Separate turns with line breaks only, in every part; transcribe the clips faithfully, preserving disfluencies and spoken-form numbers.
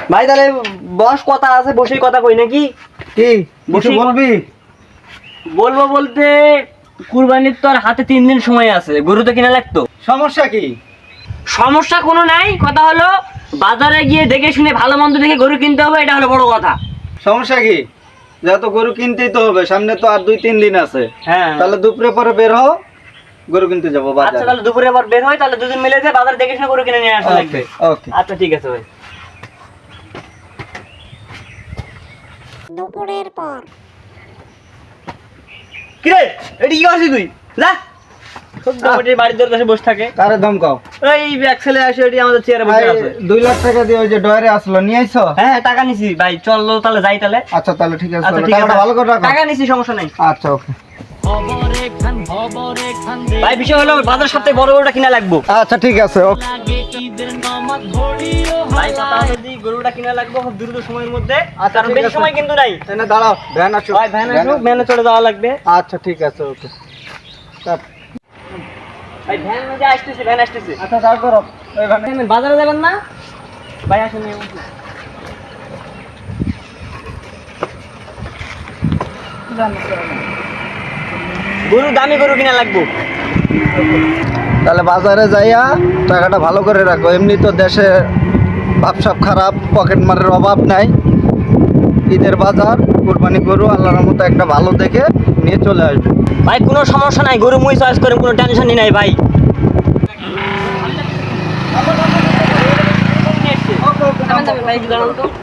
ভাই তাহলে বস কথা আছে, বসেই কথা কই নাকি?
কি বসে বলবি?
বলবো বলতে কুরবানির তো আর হাতে তিন দিন সময় আছে, গরু তো কিনা লাগতো।
সমস্যা কি?
সমস্যা কোনো নাই, কথা হলো বাজারে গিয়ে দেখে শুনে ভালো মন্দ দেখে গরু কিনতে হবে, এটা হলো বড় কথা।
সমস্যা কি? যেহেতু গরু কিনতেই তো হবে, সামনে তো আর দুই তিন দিন আছে।
হ্যাঁ
তাহলে দুপুরে পরে বের হও, গরু কিনতে যাবো
আচ্ছা
বাজারে।
তাহলে দুপুরে আবার বের হয়, তাহলে দুজন মিলে যায় বাজার দেখে শুনে গরু কিনে নিয়ে আসা লাগবে।
ওকে
আচ্ছা ঠিক আছে ভাই।
দুপুরের পর
কিরে এটি কি করছিস তুই? যা সত্যি বাড়ির দরকারে বসে থাকে।
কারে ধমকাও?
এই ব্যাক ছেলে আসে, এটি আমাদের চেয়ারে বসে আছে।
দুই লাখ টাকা দিয়ে ওই যে ডয়ারে আসলো, নিয়ে আইছো?
হ্যাঁ টাকা নিছি ভাই, চলো তাহলে যাই তাহলে।
আচ্ছা তাহলে ঠিক আছে,
আচ্ছা ঠিক
টাকাটা
আছে,
ভালো করে রাখো।
টাকা নিছি সমস্যা নাই।
আচ্ছা ওকে।
ভাই বিষয় হলো বাজার সপ্তাহে বড় গরুটা কিনা লাগবো।
আচ্ছা ঠিক আছে ওকে।
ভাই কথা হলো যে গরুটা কিনা লাগবে খুব দ্রুত সময়ের মধ্যে।
আচ্ছা,
কারণ
ঠিক
বেশি
আছে।
সময় কিন্তু নাই।
এনে দাঁড়াও, ভ্যান আসো।
ভাই ভ্যান আসুক, ভ্যানে চড়ে যাওয়া লাগবে।
আচ্ছা ঠিক আছে ওকে।
ভাই ভ্যান মধ্যে আসতেছে, ভ্যান আসতেছে।
আচ্ছা দাঁড় করো ওই ভ্যানে।
আপনি বাজারে যাবেন না? ভাই আসুন। গরু দামি গরু কিনা লাগবো।
তাহলে বাজারে যাইয়া টাকাটা ভালো করে রাখো, এমনি তো দেশে ভাবসাব খারাপ, পকেট মারের অভাব নাই। ঈদের বাজার, কুরবানি গরু আল্লাহর মতো একটা ভালো দেখে নিয়ে চলে আসবে।
ভাই কোনো সমস্যা নাই, গরু মুই চয়েস করে কোনো টেনশনই নাই ভাই। ভাই একটু দাঁড়ান তো।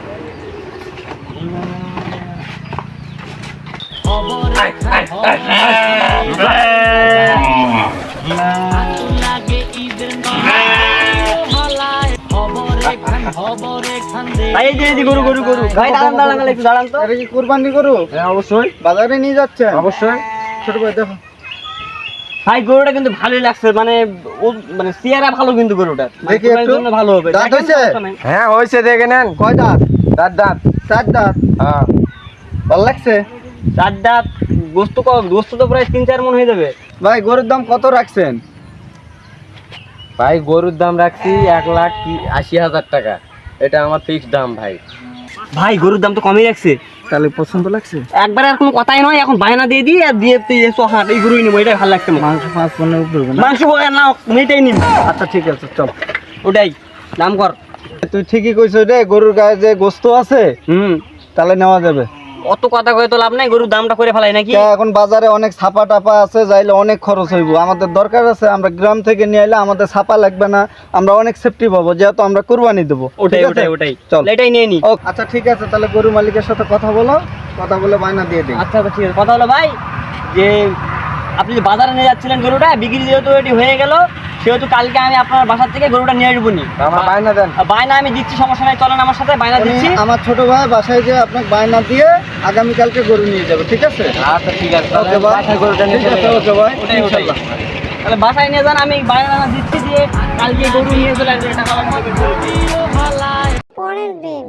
ভাই এই যে এই যে গরু গরু গরু ভাই দাঁড়ান দাঁড়ান দাঁড়ান, একটু দাঁড়ান তো।
এটা কি কুরবানি গরু?
হ্যাঁ অবশ্যই
বাজারে নিয়ে যাচ্ছে?
অবশ্যই।
ছোট ভাই দেখো।
ভাই গরুটা কিন্তু ভালোই লাগছে, মানে ও মানে চেহারা ভালো কিন্তু গরুটা
দেখি একটু।
ভালো হবে।
দাঁত
দেখেন
হয়েছে?
সমস্যা নাই।
হ্যাঁ হয়েছে, দেখে নেন।
কয় দাঁত?
দাঁত দাঁত।
চার দাঁত।
হ্যাঁ
ভালো লাগছে?
চার দাঁত, গোস্ত ক- গোস্ত তো প্রায় তিন চার মন হয়ে যাবে।
ভাই গরুর দাম কত রাখছেন?
ভাই গরুর দাম রাখছি এক লাখ কি- আশি হাজার টাকা, এটা আমার ফিক্সড দাম ভাই।
ভাই গরুর দাম তো কমই রাখছে,
তাহলে পছন্দ লাগছে?
একবারে আর কোনো কথাই নয়, এখন বায়না দিয়ে দিই আর দিয়ে হাট এই গরুই নিবো, এটাই ভালো লাগছে আমার।
মাংস পাঁচ পনের উপরে হবে না?
মাংস না মেয়েটাই নিব।
আচ্ছা ঠিক আছে চল।
ওটাই দাম কর।
তুই ঠিকই কইছ রে, গরুর গায়ে যে গোস্ত আছে
হুম
তাহলে নেওয়া যাবে।
অত কথা কয়ে তো লাভ নাই, গরুর দামটা করে ফেলাই নাকি?
তা এখন বাজারে অনেক ছাপা টাপা আছে, যাইলে অনেক খরচ হইব। আমাদের দরকার আছে আমরা গ্রাম থেকে নিয়ে আইলে আমাদের ছাপা লাগবে না, আমরা অনেক সেফটি পাবো, যেহেতু আমরা কুরবানি দেবো।
ওটাই
ঠিক আছে?
ওটাই ওটাই
চল।
এটাই নিয়ে নি।
ও আচ্ছা ঠিক আছে, তাহলে গরু মালিকের সাথে কথা বলো, কথা বলে বায়না দিয়ে দিই।
আচ্ছা ঠিক আছে, কথা হলো ভাই যে আপনি যে বাজারে নিয়ে যাচ্ছিলেন গরুটা বিক্রি যেহেতু এটি হয়ে গেল, সেহেতু কালকে আমি আপনার বাসার থেকে গরুটা নিয়ে আসবো নি।
আমার বায়না দেন।
বায়না আমি দিচ্ছি, সমস্যা নাই, চলেন আমার সাথে, বায়না
উনি
দিচ্ছি।
আমার ছোট ভাই বাসায় যে আপনাকে বায়না দিয়ে আগামীকালকে গরু নিয়ে যাবে, ঠিক আছে?
আচ্ছা ঠিক আছে,
ওকে ভাই।
বাসায় গরুটা নিয়ে
ঠিক
চলে
আছে,
যাবো।
ওকে ভাই।
ওটাই, ওটাই।
ইনশাল্লাহ।
তাহলে বাসায় নিয়ে যান, আমি বায়না দিচ্ছি দিয়ে কালকে গরু নিয়ে চলে আসবে, টাকা লাগবে।
পরের দিন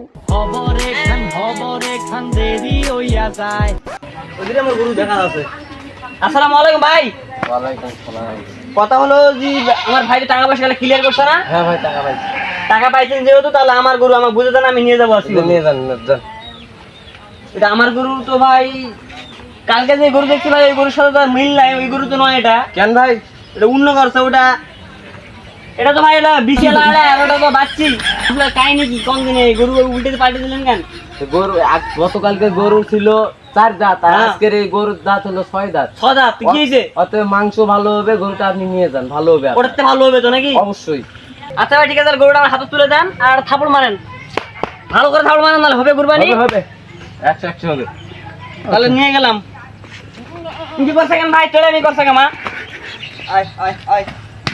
ওদিকে আমার গরু দেখা আছে। আসসালামু আলাইকুম ভাই।
ওয়ালাইকুম আসসালাম।
কথা হলো যে আমার ভাই টাকা পয়সা ক্লিয়ার করছে না?
হ্যাঁ ভাই টাকা পাইছি।
টাকা পাইছেন যেহেতু, তাহলে আমার গরু আমাকে বুঝে দেন, আমি নিয়ে যাবো আজকে।
নিয়ে যান যান।
এটা আমার গরু তো ভাই, কালকে যে গরু দেখছি ভাই ওই গরুর সাথে তো আর মিল নাই, ওই গরু তো নয় এটা।
কেন ভাই?
এটা অন্য করছে ওটা। এটা তো ভাই এটা বিশাল আড়া, আর ওটা তো বাচ্চি। কাহিনী কি কোন দিনে গরু উল্টে পাল্টে দিলেন কেন?
তো গরু আজ- গতকালকে গরু ছিল চার দাঁত, আর
হ্যাঁ।
আজকের এই গরুর দাঁত হলো ছয় দাঁত।
ছদা তুই কি হয়েছে?
অতএব মাংস ভালো হবে, গরুটা আপনি নিয়ে যান, ভালো হবে আপনার।
ওটাতে ভালো হবে তো নাকি?
অবশ্যই।
আচ্ছা ভাই ঠিক আছে, তাহলে গরুটা আমার হাতে তুলে দেন আর থাপড় মারেন, ভালো করে থাপড় মারেন, নাহলে হবে কুরবানি।
হবে হবে, একশো একশো হবে।
তাহলে নিয়ে গেলাম। কি করছে কেন ভাই? চলে আমি করছে কেন মা? আয় আয় আয়।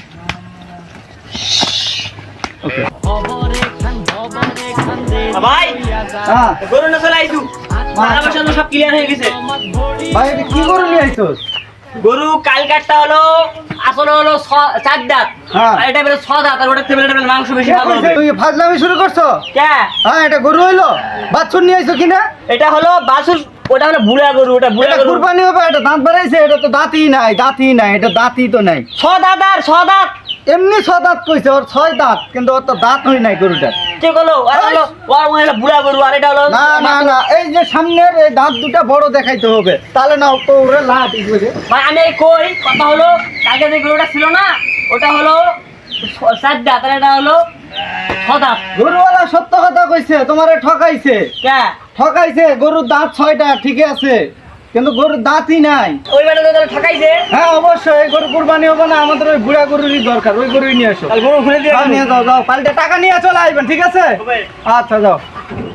ভাই
হ্যাঁ
গরু না চলে আইছু, টাকা পয়সা তো সব ক্লিয়ার হয়ে গেছে।
ভাই, এটা কি গরু নিয়ে আইছস?
গরু কালকাটটা হলো আসলে হলো ছ- চার দাঁত,
হ্যাঁ।
আর এটা বেরো ছ দাঁত, আর ওটা টেবিল টেবিল মাংস বেশি ভালো হবে।
তুই ফাজলামি শুরু করছো?
কে?
হ্যাঁ, এটা গরু হইলো? বাছুর নিয়ে আইছো কিনা?
এটা হলো বাসুর, ওটা হলো বুড়া গরু, ওটা বুড়া
এটা
গরু।
কুরবানি হবে, এটা দাঁত বাড়াইছে, এটা তো দাঁতই নাই, দাঁতই নাই, এটা দাঁতই তো নাই।
ছ দাঁত আর ছ দাঁত।
এমনি ছ দাঁত কইছে, ওর ছয় দাঁত, কিন্তু ওর তো দাঁত হই নাই গরুটা।
ঠিক হলো আর হলো ওর মনে হলো বুড়া গরু আর এটা হলো
না না না এই যে সামনের এই দাঁত দুটা বড় দেখাইতে হবে তাহলে না তো ওরে লাভ ইকবে
ভাই আমি এই কই কথা হলো কালকে যে গরুটা ছিল না ওটা হলো ছ- চার দাঁত আর এটা হলো ছ দাঁত
গরুওয়ালা সত্য কথা কইছে তোমারে ঠকাইছে
কে
ঠকাইছে গরুর দাঁত ছয়টা ঠিকই আছে কিন্তু গরুর দাঁতই নাই
ওই বেটা তো তাহলে ঠকাইছে
হ্যাঁ অবশ্যই এই গরু কুরবানি হবে না আমাদের ওই বুড়া গরুরই দরকার ওই গরুই নিয়ে আসো
তাহলে গরু খুলে দিয়ে
হ্যাঁ, নিয়ে যাও যাও পাল্টে টাকা নিয়ে চলে আসবেন ঠিক আছে
হবে।
আচ্ছা যাও